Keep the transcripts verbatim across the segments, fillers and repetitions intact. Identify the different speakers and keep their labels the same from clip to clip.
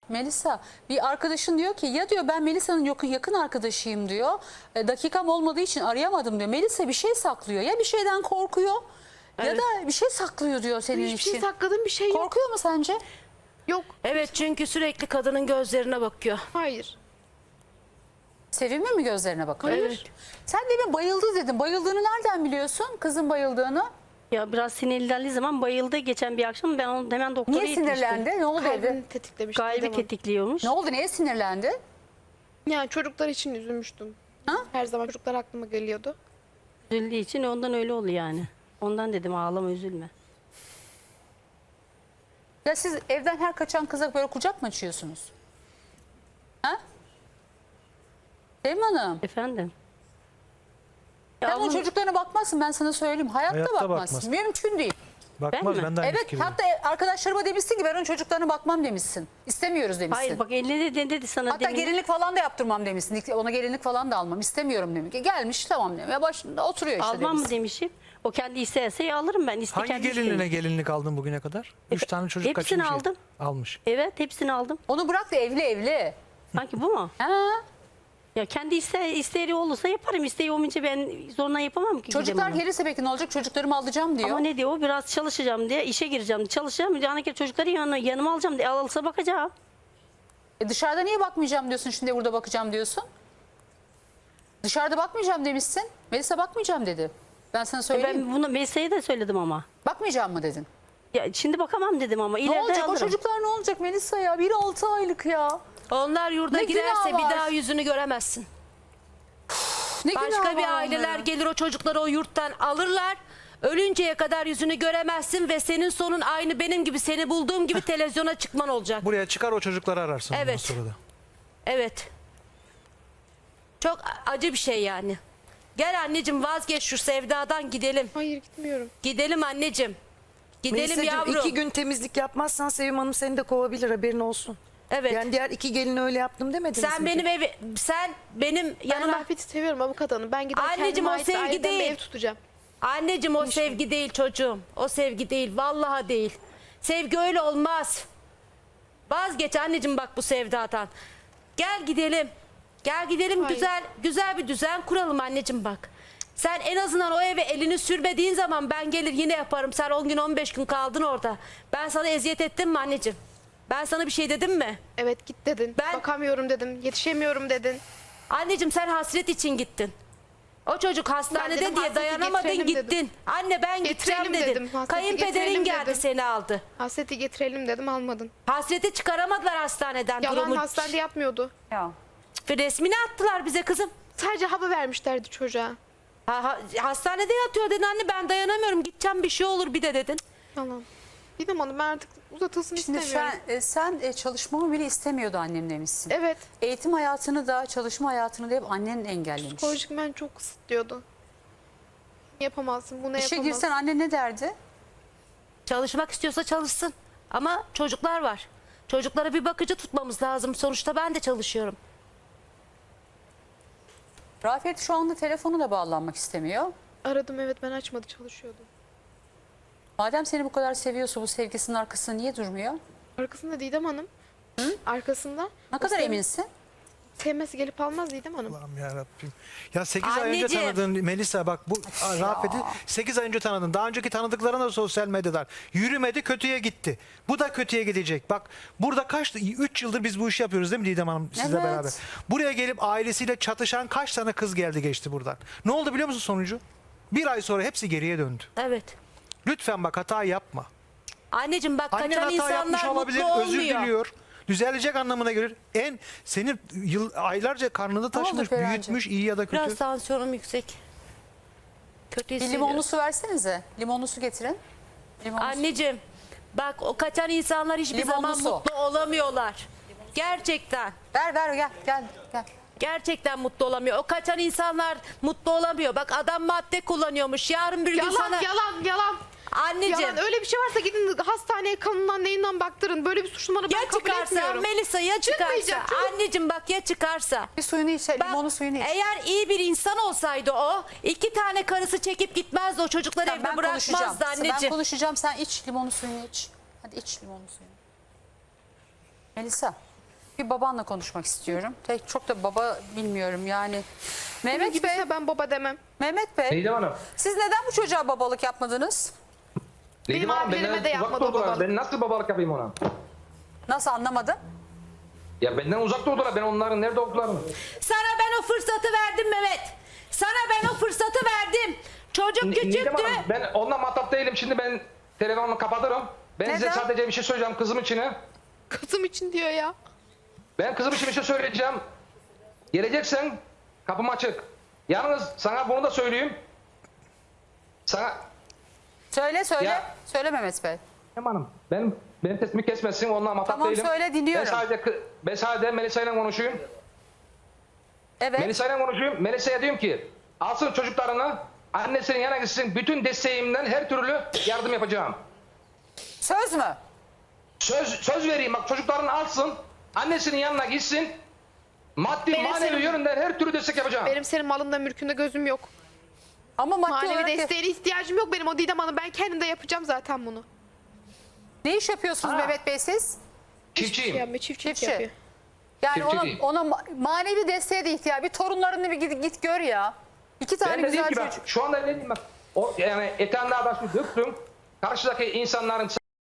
Speaker 1: Melisa, bir arkadaşın diyor ki ya diyor ben Melisa'nın yakın, yakın arkadaşıyım diyor. E, dakikam olmadığı için arayamadım diyor. Melisa bir şey saklıyor. Ya bir şeyden korkuyor ya
Speaker 2: Evet.
Speaker 1: da bir şey saklıyor diyor senin
Speaker 3: Hiçbir
Speaker 1: için.
Speaker 3: şey sakladığım bir şey yok.
Speaker 1: Korkuyor mu sence?
Speaker 3: Yok.
Speaker 2: Evet, çünkü sürekli kadının gözlerine bakıyor.
Speaker 3: Hayır.
Speaker 1: Sevimli mi gözlerine bakıyor?
Speaker 2: Evet.
Speaker 1: Sen demin bayıldı dedin. Bayıldığını nereden biliyorsun? Kızın bayıldığını.
Speaker 4: Ya biraz sinirlendiği zaman bayıldı geçen bir akşam. Ben onu hemen doktora
Speaker 1: Niye
Speaker 4: gitmiştim.
Speaker 1: sinirlendi? Ne oldu evde?
Speaker 3: Kalbini tetiklemiş.
Speaker 4: Kalbi
Speaker 3: Didem Hanım.
Speaker 4: tetikliyormuş.
Speaker 1: Ne oldu? Neye sinirlendi?
Speaker 3: Yani çocuklar için üzülmüştüm.
Speaker 1: Ha?
Speaker 3: Her zaman çocuklar aklıma geliyordu.
Speaker 4: Üzüldüğü için ondan öyle oldu yani. Ondan dedim ağlama üzülme.
Speaker 1: Ya siz evden her kaçan kıza böyle kucak mı açıyorsunuz? Ha? Sevim Hanım.
Speaker 4: Efendim?
Speaker 1: Sen
Speaker 4: Ya
Speaker 1: onun
Speaker 4: onun-
Speaker 1: çocuklarına bakmazsın, ben sana söyleyeyim. Hayatta,
Speaker 5: Hayatta
Speaker 1: bakmazsın.
Speaker 5: bakmaz.
Speaker 1: Mümkün değil.
Speaker 5: Bakmaz,
Speaker 4: mi?
Speaker 5: ben de aynı
Speaker 1: Evet,
Speaker 5: fikirdeyim.
Speaker 1: hatta arkadaşlarıma demişsin ki ben onun çocuklarına bakmam demişsin. İstemiyoruz demişsin.
Speaker 4: Hayır bak eline de dedi sana
Speaker 1: Hatta
Speaker 4: demin.
Speaker 1: gelinlik falan da yaptırmam demişsin. Ona gelinlik falan da almam istemiyorum demiş. Gelmiş tamam demiş. Ya başında oturuyor işte
Speaker 4: Almam mı
Speaker 1: demişsin.
Speaker 4: demişim. O kendi isterse alırım ben. İste,
Speaker 5: Hangi
Speaker 4: kendi
Speaker 5: gelinliğine
Speaker 4: isteği.
Speaker 5: gelinlik aldın bugüne kadar? Üç tane çocuk
Speaker 4: hepsini
Speaker 5: kaçırmış.
Speaker 4: aldım.
Speaker 5: Almış.
Speaker 4: Evet hepsini aldım.
Speaker 1: Onu bırak da evli evli.
Speaker 4: Sanki bu mu?
Speaker 1: Ha?
Speaker 4: Ya kendi iste, isteği olursa yaparım. İsteği olmayınca ben zoruna yapamam ki.
Speaker 1: Çocuklar
Speaker 4: Gidemem.
Speaker 1: gelirse peki ne olacak? Çocuklarımı alacağım diyor.
Speaker 4: Ama ne diyor? Biraz çalışacağım diye, işe gireceğim diye. Çalışacağım. Yani ki çocukları yanına, yanıma alacağım diye. Alırsa bakacağım.
Speaker 1: E dışarıda niye bakmayacağım diyorsun, şimdi burada bakacağım diyorsun? Dışarıda bakmayacağım demişsin. Melisa bakmayacağım dedi. Ben sana söyleyeyim.
Speaker 4: Ben bunu Melisa'ya da söyledim ama.
Speaker 1: Bakmayacağım mı dedin?
Speaker 4: Ya şimdi bakamam dedim ama.
Speaker 1: Ne
Speaker 4: İleride
Speaker 1: olacak
Speaker 4: alırım.
Speaker 1: o çocuklar, ne olacak Melisa ya? Biri altı aylık ya.
Speaker 2: Onlar yurda
Speaker 1: Ne
Speaker 2: girerse
Speaker 1: günah
Speaker 2: bir
Speaker 1: var?
Speaker 2: daha yüzünü göremezsin.
Speaker 1: Ne günah
Speaker 2: Başka bir
Speaker 1: var
Speaker 2: aileler
Speaker 1: onların?
Speaker 2: gelir o çocukları o yurttan alırlar. Ölünceye kadar yüzünü göremezsin ve senin sonun aynı benim gibi, seni bulduğum gibi televizyona çıkman olacak.
Speaker 5: Buraya çıkar, o çocukları ararsın ondan
Speaker 2: Evet.
Speaker 5: sonra da.
Speaker 2: Evet. Çok acı bir şey yani. Gel anneciğim, vazgeç şu sevdadan, gidelim.
Speaker 3: Hayır gitmiyorum.
Speaker 2: Gidelim anneciğim. Gidelim
Speaker 6: Melisa'cığım,
Speaker 2: yavrum.
Speaker 6: iki gün temizlik yapmazsan Sevim Hanım seni de kovabilir, haberin olsun.
Speaker 2: Evet.
Speaker 6: Yani diğer iki gelin öyle yaptım demediniz
Speaker 2: Sen
Speaker 6: mi?
Speaker 2: benim evi, sen benim
Speaker 3: Ben
Speaker 2: yanıma...
Speaker 3: Rafet'i seviyorum avukat hanım. Ben gider
Speaker 2: Anneciğim,
Speaker 3: kendime
Speaker 2: o
Speaker 3: ait
Speaker 2: sevgi
Speaker 3: aileden bir
Speaker 2: değil.
Speaker 3: ev tutacağım.
Speaker 2: Anneciğim o sevgi değil çocuğum. O sevgi değil. Vallahi değil. Sevgi öyle olmaz. Vazgeç anneciğim bak bu sevdadan. Gel gidelim. Gel gidelim,
Speaker 3: Hayır.
Speaker 2: güzel güzel bir düzen kuralım anneciğim bak. Sen en azından o eve elini sürmediğin zaman ben gelir yine yaparım. Sen on gün on beş gün kaldın orada. Ben sana eziyet ettim mi anneciğim? Ben sana bir şey dedim mi?
Speaker 3: Evet git dedin.
Speaker 2: Ben-
Speaker 3: Bakamıyorum dedim. Yetişemiyorum dedin.
Speaker 2: Anneciğim sen hasret için gittin. O çocuk hastanede
Speaker 3: dedim,
Speaker 2: diye
Speaker 3: hasreti
Speaker 2: dayanamadın
Speaker 3: getirelim
Speaker 2: gittin.
Speaker 3: dedim.
Speaker 2: Anne ben gideceğim
Speaker 3: Getirelim
Speaker 2: dedin.
Speaker 3: dedim, hasreti
Speaker 2: Kayınpederin
Speaker 3: getirelim
Speaker 2: geldi
Speaker 3: dedim.
Speaker 2: seni aldı.
Speaker 3: Hasreti getirelim dedim, almadın.
Speaker 2: Hasreti çıkaramadılar hastaneden
Speaker 3: Yalan,
Speaker 2: durumu.
Speaker 3: hastanede yapmıyordu.
Speaker 1: Ya.
Speaker 2: Ve resmini attılar bize kızım.
Speaker 3: Sadece hava vermişlerdi çocuğa.
Speaker 2: Ha, ha- hastanede yatıyor dedin anne, ben dayanamıyorum, gideceğim bir şey olur bir de dedin.
Speaker 3: Yalan. Didem Hanım ben artık uzatılsın
Speaker 1: Şimdi
Speaker 3: istemiyorum.
Speaker 1: sen, e, sen e, çalışmamı bile istemiyordu annem demişsin.
Speaker 3: Evet.
Speaker 1: Eğitim hayatını da çalışma hayatını da hep annen engellemiş.
Speaker 3: Psikolojik ben çok kısıtlıyordu. Yapamazsın, bunu
Speaker 1: İşe
Speaker 3: yapamazsın.
Speaker 1: girsen anne ne derdi?
Speaker 2: Çalışmak istiyorsa çalışsın. Ama çocuklar var. Çocuklara bir bakıcı tutmamız lazım. Sonuçta ben de çalışıyorum.
Speaker 1: Rafet şu anda telefonu da bağlanmak istemiyor.
Speaker 3: Aradım, evet, ben açmadı, çalışıyordu.
Speaker 1: Madem seni bu kadar seviyorsa bu sevgisinin arkasında niye durmuyor?
Speaker 3: Arkasında Didem Hanım. Arkasında.
Speaker 1: Ne
Speaker 3: O
Speaker 1: kadar
Speaker 3: sev-
Speaker 1: eminsin?
Speaker 3: Sevmesi gelip almaz Didem Hanım.
Speaker 5: Allah'ım yarabbim. Ya sekiz ay önce
Speaker 2: Anneciğim.
Speaker 5: tanıdığın Melisa, bak bu Rafet'i sekiz ay önce tanıdın. Daha önceki tanıdıkların da sosyal medyadan. Yürümedi, kötüye gitti. Bu da kötüye gidecek. Bak burada kaç, üç yıldır biz bu işi yapıyoruz değil mi Didem Hanım sizle
Speaker 1: Evet.
Speaker 5: beraber? Buraya gelip ailesiyle çatışan kaç tane kız geldi geçti buradan. Ne oldu biliyor musun sonucu? Bir ay sonra hepsi geriye döndü.
Speaker 2: Evet.
Speaker 5: Lütfen bak hata yapma.
Speaker 2: Anneciğim bak
Speaker 5: Annen
Speaker 2: kaçan
Speaker 5: hata yapmış
Speaker 2: insanlar
Speaker 5: olabilir,
Speaker 2: mutlu
Speaker 5: özür
Speaker 2: olmuyor.
Speaker 5: diliyor. Düzelecek anlamına gelir. En senin yıl aylarca karnında taşımış,
Speaker 1: Ferhan'cığım?
Speaker 5: büyütmüş, iyi ya da kötü.
Speaker 2: Biraz tansiyonum yüksek. Kötü
Speaker 1: Bir
Speaker 2: hissediyorum.
Speaker 1: limonlu su versenize. Limonlu su getirin. Limonlu su.
Speaker 2: Anneciğim bak o kaçan insanlar hiçbir
Speaker 1: Limonlu
Speaker 2: zaman
Speaker 1: su.
Speaker 2: mutlu olamıyorlar. Gerçekten.
Speaker 1: Ver ver gel gel gel.
Speaker 2: Gerçekten mutlu olamıyor. O kaçan insanlar mutlu olamıyor. Bak adam madde kullanıyormuş. Yarın bir gün
Speaker 3: Yalan,
Speaker 2: sana...
Speaker 3: yalan, yalan.
Speaker 2: Anneciğim.
Speaker 3: Yalan, öyle bir şey varsa gidin hastaneye, kanından neyinden baktırın. Böyle bir suçlamanı ben
Speaker 2: Ya
Speaker 3: kabul
Speaker 2: çıkarsa
Speaker 3: etmiyorum.
Speaker 2: Melisa, ya çıkarsa.
Speaker 3: Çıkmayacak, çocuk-
Speaker 2: Anneciğim bak ya çıkarsa.
Speaker 1: Bir suyunu iç,
Speaker 2: Bak,
Speaker 1: limonlu suyunu iç.
Speaker 2: eğer iyi bir insan olsaydı o iki tane karısı çekip gitmezdi, o çocukları
Speaker 1: Tamam,
Speaker 2: evde
Speaker 1: konuşacağım.
Speaker 2: bırakmazdı
Speaker 1: Ben
Speaker 2: anneciğim.
Speaker 1: konuşacağım, sen iç limonlu suyunu iç. Hadi iç limonlu suyunu. Melisa, Bir babanla konuşmak istiyorum. Tek çok da baba bilmiyorum yani.
Speaker 3: Mehmet
Speaker 1: Mehmet Bey,
Speaker 3: gibiyse ben baba demem.
Speaker 1: Mehmet Bey.
Speaker 7: Neydem Hanım?
Speaker 1: Siz neden bu çocuğa babalık yapmadınız?
Speaker 3: Benim
Speaker 7: Neydem Hanım,
Speaker 3: abilerime
Speaker 7: benden
Speaker 3: de
Speaker 7: uzak
Speaker 3: yapmadı
Speaker 7: durdular.
Speaker 3: babalık.
Speaker 7: Ben nasıl babalık yapayım ona?
Speaker 1: Nasıl, anlamadım?
Speaker 7: Ya benden uzak durdular. Ben onların nerede olduklarını.
Speaker 2: Sana ben o fırsatı verdim Mehmet. Sana ben o fırsatı verdim. Çocuk
Speaker 7: Ne- Neydem
Speaker 2: küçüktü.
Speaker 7: Hanım, ben onunla matap değilim. Şimdi ben telefonumu kapatırım. Ben size
Speaker 1: Neden?
Speaker 7: sadece bir şey söyleyeceğim kızım için.
Speaker 3: Kızım için diyor ya.
Speaker 7: Ben kızım için bir şey söyleyeceğim. Geleceksen kapım açık. Yalnız sana bunu da söyleyeyim. Sana...
Speaker 1: Söyle söyle.
Speaker 7: Ya-
Speaker 1: Söyle Mehmet Bey.
Speaker 7: Neydem Hanım, benim, benim sesimi kesmesin. Onunla matap
Speaker 1: Tamam,
Speaker 7: değilim.
Speaker 1: söyle, dinliyorum.
Speaker 7: Ben sadece, kı- ben sadece Melisa ile konuşayım.
Speaker 1: Evet.
Speaker 7: Melisa ile konuşuyorum. Melisa'ya diyorum ki alsın çocuklarını, annesinin yanına gitsin. Bütün desteğimden her türlü yardım yapacağım.
Speaker 1: Söz mü?
Speaker 7: Söz söz vereyim, bak çocuklarını alsın, annesinin yanına gitsin. Maddi
Speaker 3: Benim
Speaker 7: manevi
Speaker 3: senin-
Speaker 7: yönünden her türlü destek yapacağım.
Speaker 3: Benim senin malında mülkünde gözüm yok.
Speaker 1: Ama maddi
Speaker 3: Manevi
Speaker 1: olarak
Speaker 3: desteğine ihtiyacım yok benim o Didem Hanım. Ben kendim de yapacağım zaten bunu.
Speaker 1: ne iş yapıyorsunuz
Speaker 7: Ha.
Speaker 1: Mehmet Bey siz?
Speaker 7: Çiftçiyim.
Speaker 3: Yani çiftçilik
Speaker 1: Çiftçi.
Speaker 3: yapıyor.
Speaker 1: Yani
Speaker 7: Çiftçi
Speaker 1: ona,
Speaker 7: değil.
Speaker 1: ona ma- manevi desteğe de ihtiyaç. Bir torunlarını bir git, git gör ya. İki tane
Speaker 7: Ben de diyeyim
Speaker 1: güzel
Speaker 7: ki bak,
Speaker 1: çocuk.
Speaker 7: şu anda ne diyeyim bak. O, yani eteğinde adaşı döktüm. Karşıdaki insanların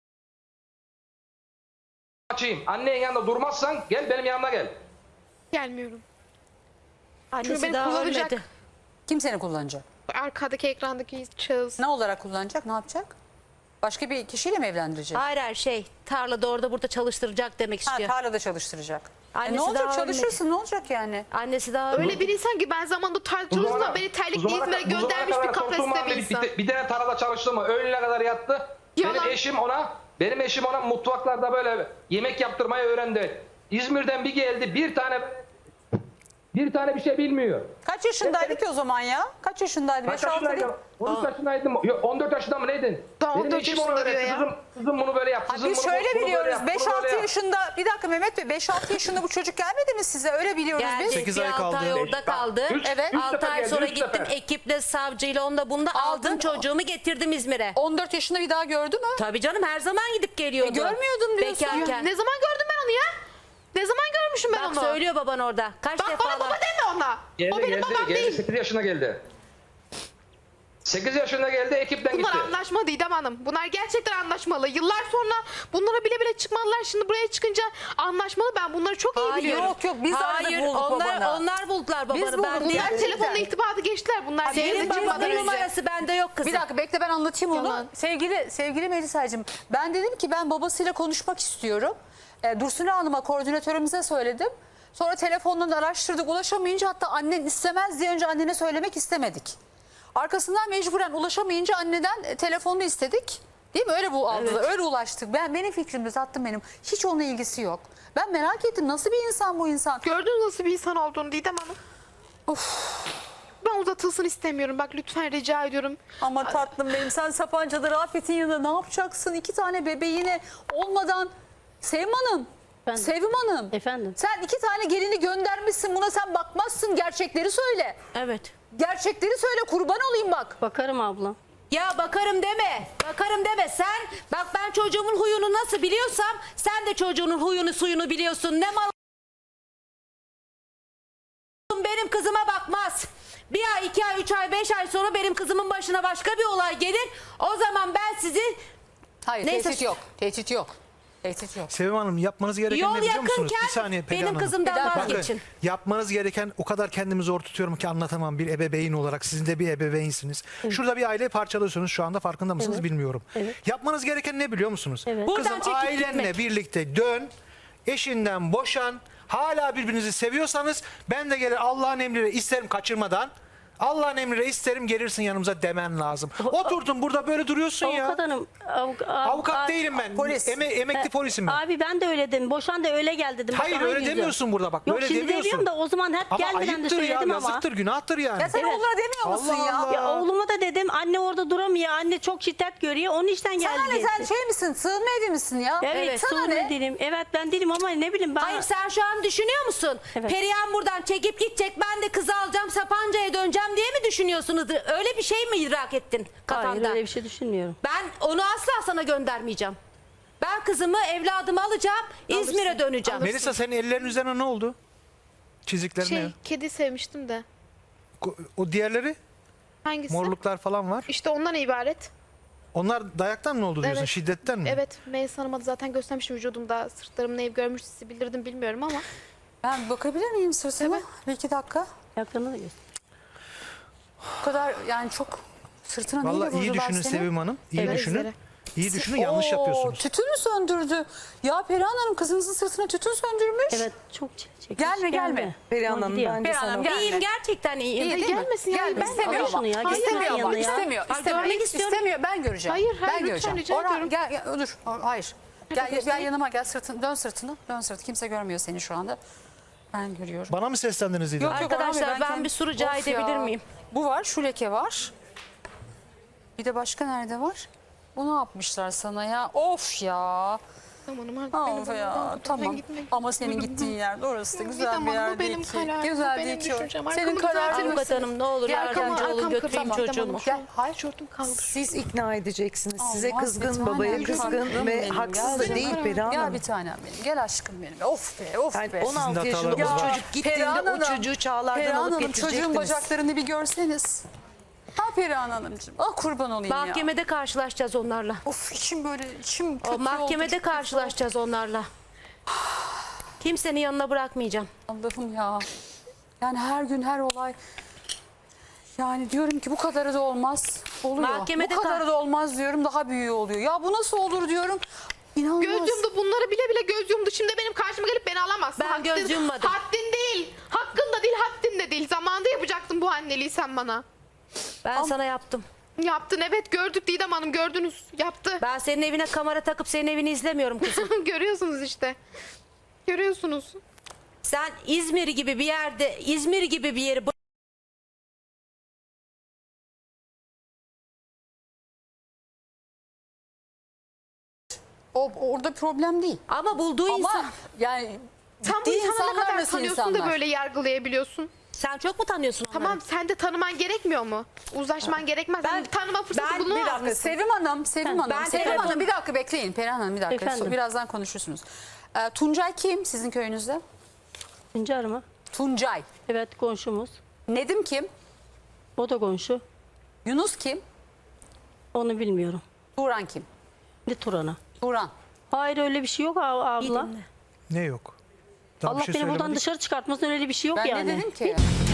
Speaker 7: açayım. Annenin yanında durmazsan gel benim yanıma gel.
Speaker 3: Gelmiyorum. Çünkü
Speaker 2: Annesi
Speaker 3: beni
Speaker 2: daha
Speaker 3: kullanacak.
Speaker 2: ölmedi.
Speaker 1: Kim seni kullanacak?
Speaker 3: Arkadaki ekrandaki şahıs.
Speaker 1: Ne olarak kullanacak? Ne yapacak? Başka bir kişiyle mi evlendirecek?
Speaker 2: Hayır her şey. Tarlada orada burada çalıştıracak demek
Speaker 1: Ha,
Speaker 2: istiyor.
Speaker 1: tarlada çalıştıracak. E
Speaker 2: Annesi
Speaker 1: ne olacak,
Speaker 2: daha
Speaker 1: çalışırsın, ne olacak yani?
Speaker 2: Annesi daha
Speaker 3: Öyle
Speaker 2: ölmedi.
Speaker 3: bir insan ki ben zamanında tartışılırsa beni
Speaker 7: bu
Speaker 3: terlikle
Speaker 7: zamana-
Speaker 3: İzmir'e
Speaker 7: bu zamana
Speaker 3: göndermiş
Speaker 7: kadar
Speaker 3: bir
Speaker 7: korktuğum
Speaker 3: kapasite
Speaker 7: halde
Speaker 3: bir insan.
Speaker 7: Bir, bir tane tarlada çalıştı mı? Öğlene kadar yattı.
Speaker 3: Yalan.
Speaker 7: Benim eşim ona, benim eşim ona mutfaklarda böyle yemek yaptırmayı öğrendi. İzmir'den bir geldi, bir tane bir tane bir şey bilmiyor.
Speaker 1: Kaç yaşındaydı ki o zaman ya? Kaç yaşındaydı?
Speaker 7: Kaç
Speaker 1: beş altı değil.
Speaker 7: yaşındaydım? on üç yaşındaydım. Yok, on dört yaşında mı neydin?
Speaker 3: Daha on
Speaker 7: Benim
Speaker 3: dört
Speaker 7: eşim ona
Speaker 3: yaşında
Speaker 7: öğretti.
Speaker 3: diyor ya.
Speaker 7: Kızım, kızım bunu böyle yap.
Speaker 1: Ha,
Speaker 7: Kızım
Speaker 1: biz
Speaker 7: bunu,
Speaker 1: şöyle
Speaker 7: bunu böyle
Speaker 1: biliyoruz.
Speaker 7: yap, bunu
Speaker 1: beş
Speaker 7: böyle
Speaker 1: altı
Speaker 7: yap.
Speaker 1: yaşında, bir dakika Mehmet Bey, beş altı yaşında bu çocuk gelmedi mi size? Öyle biliyoruz
Speaker 2: Geldi.
Speaker 1: biz.
Speaker 5: Sekiz
Speaker 2: Bir
Speaker 5: ay
Speaker 2: altı
Speaker 5: kaldı.
Speaker 2: ay orada
Speaker 7: Bak,
Speaker 2: kaldı.
Speaker 7: üç-
Speaker 1: Evet.
Speaker 7: üç
Speaker 2: altı
Speaker 7: sefer
Speaker 2: ay
Speaker 7: geldi,
Speaker 2: sonra
Speaker 7: üç
Speaker 2: gittim
Speaker 7: sefer.
Speaker 2: ekiple, savcıyla, onda bunda
Speaker 1: Aldın.
Speaker 2: aldım çocuğumu getirdim İzmir'e.
Speaker 1: on dört yaşında bir daha gördü mü?
Speaker 2: Tabii canım her zaman gidip geliyordu.
Speaker 1: E, görmüyordum diyorsun.
Speaker 2: Bekarken.
Speaker 3: Ne zaman gördüm ben onu ya? Ne zaman görmüşüm ben
Speaker 2: Bak
Speaker 3: onu?
Speaker 2: söylüyor baban orada. Kaç
Speaker 3: Bak
Speaker 2: defa
Speaker 3: bana baba
Speaker 2: var.
Speaker 3: deme ona.
Speaker 7: Geldi,
Speaker 3: o benim
Speaker 7: geldi,
Speaker 3: babam
Speaker 7: geldi.
Speaker 3: değil.
Speaker 7: sekiz yaşına geldi. sekiz yaşında geldi, ekipten
Speaker 3: Bunlar
Speaker 7: gitti.
Speaker 3: anlaşma Didem Hanım. Bunlar gerçekten anlaşmalı. Yıllar sonra bunlara bile bile çıkmadılar. Şimdi buraya çıkınca anlaşmalı. Ben bunları çok iyi
Speaker 2: Hayır.
Speaker 3: biliyorum.
Speaker 1: Yok yok, biz aradık,
Speaker 2: Hayır
Speaker 1: bulduk
Speaker 2: onlar,
Speaker 1: babanı.
Speaker 2: onlar buldular babanı.
Speaker 1: Biz bulduk.
Speaker 2: Ben değil.
Speaker 3: Bunlar
Speaker 1: Gerçekten.
Speaker 3: telefonla irtibatı geçtiler. Bunlar
Speaker 1: Senin
Speaker 3: geri
Speaker 2: Senin
Speaker 1: babanın
Speaker 3: çıkmadan
Speaker 2: babanın
Speaker 3: önce.
Speaker 2: numarası bende yok kızım.
Speaker 1: Bir dakika bekle, ben anlatayım onu.
Speaker 3: Yalan.
Speaker 1: Sevgili sevgili Melisa'cığım, ben dedim ki ben babasıyla konuşmak istiyorum. E, Dursun Hanım'a, koordinatörümüze söyledim. Sonra telefondan araştırdık, ulaşamayınca, hatta annen istemez diye önce annene söylemek istemedik. Arkasından mecburen ulaşamayınca anneden e, telefonunu istedik. Değil mi? Öyle bu aldılar. Öyle ulaştık. Ben benim fikrimde tatlım benim. Hiç onunla ilgisi yok. Ben merak ettim, nasıl bir insan bu insan?
Speaker 3: Gördünüz nasıl bir insan olduğunu Didem Hanım. Ben uzatılsın istemiyorum. Bak lütfen rica ediyorum.
Speaker 1: Ama tatlım benim, sen Sapanca'da Rafet'in yanında ne yapacaksın? İki tane bebeğine olmadan. Sevim Hanım.
Speaker 4: Efendim?
Speaker 1: Sevim Hanım.
Speaker 4: Efendim?
Speaker 1: Sen iki tane gelini göndermişsin, buna sen bakmazsın. Gerçekleri söyle.
Speaker 2: Evet.
Speaker 1: Gerçekleri söyle, kurban olayım bak.
Speaker 4: Bakarım abla.
Speaker 2: Ya bakarım deme. Bakarım deme. Sen bak ben çocuğumun huyunu nasıl biliyorsam sen de çocuğunun huyunu suyunu biliyorsun. Ne mal benim kızıma bakmaz. Bir ay, iki ay, üç ay, beş ay sonra benim kızımın başına başka bir olay gelir. O zaman ben sizi
Speaker 1: Hayır,
Speaker 2: Neyse.
Speaker 1: tehdit yok. Tehdit yok. Tehdit yok.
Speaker 5: Sevim Hanım, yapmanız gereken
Speaker 2: yol
Speaker 5: ne biliyor musunuz?
Speaker 2: yakınken
Speaker 5: Bir saniye Pelin
Speaker 2: benim
Speaker 5: Hanım.
Speaker 2: kızımdan
Speaker 1: Bir dakika.
Speaker 2: vazgeçin.
Speaker 5: Bakın, yapmanız gereken, o kadar kendimi zor tutuyorum ki anlatamam, bir ebeveyn olarak. Sizin de bir ebeveynsiniz. Şurada bir aileyi parçalıyorsunuz, şu anda farkında mısınız
Speaker 4: Evet.
Speaker 5: bilmiyorum.
Speaker 4: Evet.
Speaker 5: Yapmanız gereken ne biliyor musunuz?
Speaker 4: Evet.
Speaker 2: Buradan
Speaker 5: Kızım,
Speaker 2: çekip
Speaker 5: ailenle
Speaker 2: gitmek.
Speaker 5: birlikte dön, eşinden boşan, hala birbirinizi seviyorsanız ben de gelir Allah'ın emriyle isterim kaçırmadan. Allah'ın emriyle isterim gelirsin yanımıza demen lazım. Oturdun burada böyle duruyorsun ya.
Speaker 4: Avukat hanım. avuk-
Speaker 5: Avukat
Speaker 4: ab-
Speaker 5: değilim ben.
Speaker 1: Polis.
Speaker 5: Eme- emekli polisim ben.
Speaker 4: Abi ben de öyle dedim. Boşan da öyle gel dedim. Bak,
Speaker 5: Hayır
Speaker 4: aha
Speaker 5: öyle
Speaker 4: yüzü.
Speaker 5: demiyorsun burada bak.
Speaker 4: Yok
Speaker 5: Böyle
Speaker 4: şimdi
Speaker 5: demiyorsun.
Speaker 4: demiyorum da o zaman hep
Speaker 5: Ama
Speaker 4: gelmeden de
Speaker 5: ayıptır ya,
Speaker 4: söyledim ama.
Speaker 5: yazıktır, günahtır yani.
Speaker 1: Ya sen
Speaker 4: Evet.
Speaker 1: onlara demiyor musun
Speaker 5: Allah
Speaker 1: ya?
Speaker 5: Allah.
Speaker 4: Ya oğluma da dedim anne orada duramıyor. Anne çok şiddet görüyor. Onun işten
Speaker 1: Sen
Speaker 4: geldi.
Speaker 1: hani
Speaker 4: diye.
Speaker 1: sen şey misin? Sığınma evi misin ya?
Speaker 4: Evet,
Speaker 1: Sana
Speaker 4: sorun
Speaker 1: ne?
Speaker 4: değilim. Evet ben değilim ama ne bileyim ben.
Speaker 2: Hayır sen şu an düşünüyor musun?
Speaker 4: Evet.
Speaker 2: Perihan buradan çekip gidecek ben de kızı alacağım Sapanca'ya döneceğim diye mi düşünüyorsunuz? Öyle bir şey mi idrak ettin
Speaker 4: Hayır
Speaker 2: kafanda?
Speaker 4: öyle bir şey düşünmüyorum.
Speaker 2: Ben onu asla sana göndermeyeceğim. Ben kızımı, evladımı alacağım. İzmir'e döneceğim.
Speaker 5: Melisa senin ellerin üzerine ne oldu? Çizikler ne?
Speaker 3: Şey, kedi sevmiştim de.
Speaker 5: Ko- O diğerleri
Speaker 3: Hangisi?
Speaker 5: morluklar falan var.
Speaker 3: İşte ondan ibaret.
Speaker 5: Onlar dayaktan mı oldu diyorsun?
Speaker 3: Evet.
Speaker 5: Şiddetten mi?
Speaker 3: Evet, Melis Hanım'a da zaten göstermiştim vücudumda. Sırtlarım neyi görmüşse bilirdim bilmiyorum ama.
Speaker 1: Ben bakabilir miyim sırtıma?
Speaker 3: Evet.
Speaker 1: Bir iki dakika.
Speaker 4: Yakını da göster.
Speaker 1: Bu kadar yani çok sırtına neyle
Speaker 5: Vallahi iyi
Speaker 1: vurdular
Speaker 5: düşünün
Speaker 1: seni?
Speaker 5: Sevim Hanım. İyi
Speaker 3: Evet,
Speaker 5: düşünün.
Speaker 3: izleri.
Speaker 5: İyi düşünün, yanlış
Speaker 1: Oo,
Speaker 5: yapıyorsunuz.
Speaker 1: Tütün mü söndürdü? Ya Perihan Hanım kızınızın sırtına tütün söndürmüş.
Speaker 4: Evet çok çile çekmiş.
Speaker 1: Gelme, gelme.
Speaker 6: Perihan
Speaker 4: Tamam,
Speaker 6: Hanım
Speaker 4: gidiyor.
Speaker 6: bence
Speaker 1: Perihan
Speaker 6: sana...
Speaker 1: Hanım, gel.
Speaker 2: İyiyim, gerçekten iyiyim.
Speaker 1: İyi değil mi?
Speaker 3: gelmesin ya,
Speaker 1: Gelme,
Speaker 3: ben-
Speaker 1: istemiyor
Speaker 4: Al şunu
Speaker 1: ama.
Speaker 4: ya, gitsin
Speaker 1: İstemiyor ama.
Speaker 4: yanına ya.
Speaker 1: İstemiyor.
Speaker 2: Ay,
Speaker 1: İstemiyor.
Speaker 2: görmek istiyorum.
Speaker 1: İstemiyor. Ben göreceğim.
Speaker 3: Hayır, hayır,
Speaker 1: ben
Speaker 3: lütfen
Speaker 1: göreceğim.
Speaker 3: rica
Speaker 1: Orhan,
Speaker 3: ediyorum.
Speaker 1: gel, gel, dur. Hayır. Gel, gel yanıma gel sırtını. Dön sırtını. Dön sırtını. Kimse görmüyor seni şu anda. Ben görüyorum.
Speaker 5: Bana mı seslendiniz İdil?
Speaker 1: Yok, yok, Orhan
Speaker 2: Arkadaşlar,
Speaker 1: Bey,
Speaker 2: ben
Speaker 1: kendim-
Speaker 2: bir soru rica
Speaker 1: Of ya.
Speaker 2: edebilir miyim?
Speaker 1: Bu var. Şu leke var. Bir de başka nerede var? Bu ne yapmışlar sana ya? Of ya.
Speaker 3: Tamam hanım artık
Speaker 1: Of
Speaker 3: benim
Speaker 1: ya.
Speaker 3: buradan
Speaker 1: Tamam.
Speaker 3: gitmek
Speaker 1: Ama senin
Speaker 3: istiyorum.
Speaker 1: gittiğin yerde orası da güzel
Speaker 3: Tamam,
Speaker 1: bir
Speaker 3: bu
Speaker 1: yer değil
Speaker 3: benim
Speaker 1: ki.
Speaker 3: kararım, bu
Speaker 1: Güzel
Speaker 3: benim
Speaker 1: değil ki.
Speaker 3: düşüncem.
Speaker 1: Senin
Speaker 3: Arkamı
Speaker 1: kararın.
Speaker 3: düzeltir
Speaker 2: Avukat hanım ne olur
Speaker 1: Gel,
Speaker 2: yardımcı
Speaker 1: arkama-
Speaker 2: olun,
Speaker 3: arkam
Speaker 2: götüreyim
Speaker 3: kırık.
Speaker 2: çocuğumu.
Speaker 3: Tamam,
Speaker 1: Gel. Hayır.
Speaker 3: Tişörtüm kaldı.
Speaker 6: Siz ikna edeceksiniz. Size
Speaker 1: Olmaz, bir
Speaker 6: kızgın,
Speaker 1: tanem,
Speaker 6: babaya
Speaker 1: bir
Speaker 6: kızgın
Speaker 1: tanem
Speaker 6: ve
Speaker 1: benim.
Speaker 6: haksız da
Speaker 1: Gel
Speaker 6: değil
Speaker 1: canım.
Speaker 6: Perihan
Speaker 1: Gel
Speaker 6: Hanım.
Speaker 1: bir tanem benim. Gel aşkım benim. Of be of
Speaker 6: Yani
Speaker 1: be.
Speaker 6: on altı
Speaker 5: Sizin de
Speaker 6: yaşında
Speaker 5: hatalarınız
Speaker 6: o
Speaker 5: var.
Speaker 6: çocuk gittiğinde
Speaker 1: Perihan
Speaker 6: o
Speaker 1: Hanım,
Speaker 6: çocuğu çağlardan
Speaker 1: Perihan
Speaker 6: alıp
Speaker 1: Hanım, çocuğun
Speaker 6: getirecektiniz.
Speaker 1: bacaklarını bir görseniz. Ha Perihan Hanımcığım. Ah kurban olayım ya.
Speaker 2: Mahkemede karşılaşacağız onlarla.
Speaker 1: Of içim böyle içim kötü
Speaker 2: O
Speaker 1: oldu.
Speaker 2: mahkemede
Speaker 1: çok kötü
Speaker 2: karşılaşacağız onlarla. Kimsenin yanına bırakmayacağım.
Speaker 1: oldu. Allah'ım ya. Yani her gün her olay. Yani diyorum ki bu kadarı da olmaz. Oluyor.
Speaker 2: Mahkemede
Speaker 1: bu kadarı
Speaker 2: kal-
Speaker 1: da olmaz diyorum, daha büyüğü oluyor. Ya bu nasıl olur diyorum. İnanılmaz.
Speaker 3: Göz yumdu, bunları bile bile göz yumdu. Şimdi benim karşıma gelip beni alamazsın.
Speaker 2: Ben göz yummadım.
Speaker 3: Haddin değil. Hakkın da değil, haddin de değil. Zamanında yapacaktın bu anneliği sen bana.
Speaker 2: Ben sana yaptım.
Speaker 3: Yaptın, evet, gördük Didem Hanım, gördünüz. Yaptı.
Speaker 2: Ben senin evine kamera takıp senin evini izlemiyorum kızım.
Speaker 3: Görüyorsunuz işte. Görüyorsunuz.
Speaker 2: Sen İzmir gibi bir yerde, İzmir gibi bir yeri
Speaker 1: O orada problem değil.
Speaker 2: ama bulduğu
Speaker 1: Ama
Speaker 2: insan.
Speaker 1: yani
Speaker 3: Sen bu
Speaker 1: ciddi
Speaker 3: insanı ne
Speaker 1: insanlar
Speaker 3: kadar
Speaker 1: nasıl
Speaker 3: tanıyorsun
Speaker 1: insanlar?
Speaker 3: da böyle yargılayabiliyorsun?
Speaker 2: Sen çok mu tanıyorsun onları?
Speaker 3: Tamam, sen de tanıman gerekmiyor mu? Uzlaşman gerekmez.
Speaker 1: Ben-
Speaker 3: Ben, tanıma fırsatı
Speaker 2: ben-
Speaker 3: bulunmaz
Speaker 1: Bir dakika
Speaker 3: mı?
Speaker 1: Sevim Hanım, Sevim Hanım,
Speaker 2: ben
Speaker 1: Sevim
Speaker 2: telefon-
Speaker 1: Hanım bir dakika bekleyin. Perihan Hanım bir dakika.
Speaker 4: Efendim?
Speaker 1: So- Birazdan konuşursunuz. Ee, Tuncay kim sizin köyünüzde?
Speaker 4: Hüncar mı?
Speaker 1: Tuncay.
Speaker 4: Evet komşumuz.
Speaker 1: Nedim kim?
Speaker 4: O da komşu.
Speaker 1: Yunus kim?
Speaker 4: Onu bilmiyorum.
Speaker 1: Turan kim?
Speaker 4: Ne Turan'a?
Speaker 1: Turan.
Speaker 4: Hayır öyle bir şey yok ab-
Speaker 2: İyi
Speaker 4: abla.
Speaker 2: dinle.
Speaker 5: Ne yok? Daha bir
Speaker 4: Allah
Speaker 5: şey
Speaker 4: beni buradan
Speaker 5: söylemedik.
Speaker 4: dışarı çıkartmasın öyle bir şey yok
Speaker 1: Ben
Speaker 4: yani.
Speaker 1: ne dedim ki?